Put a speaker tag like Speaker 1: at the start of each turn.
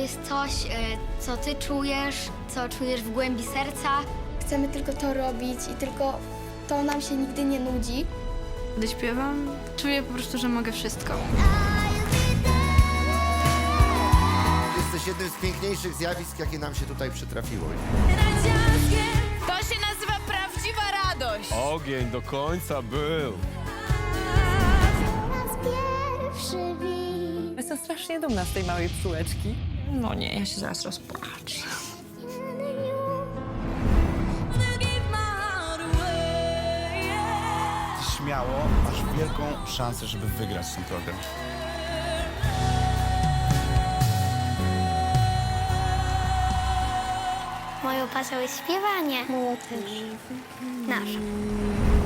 Speaker 1: jest coś, co ty czujesz, co czujesz w głębi serca.
Speaker 2: Chcemy tylko to robić i tylko to nam się nigdy nie nudzi.
Speaker 3: Gdy śpiewam, czuję po prostu, że mogę wszystko.
Speaker 4: Jesteś jednym z piękniejszych zjawisk, jakie nam się tutaj przytrafiło.
Speaker 5: To się nazywa prawdziwa radość.
Speaker 6: Ogień do końca był.
Speaker 7: Jestem strasznie dumna z tej małej psułeczki.
Speaker 5: No nie, ja się zaraz rozpłaczę.
Speaker 8: Śmiało, masz wielką szansę, żeby wygrać ten program.
Speaker 1: Moją pasją jest śpiewanie.
Speaker 2: Moją też.
Speaker 1: Nasz.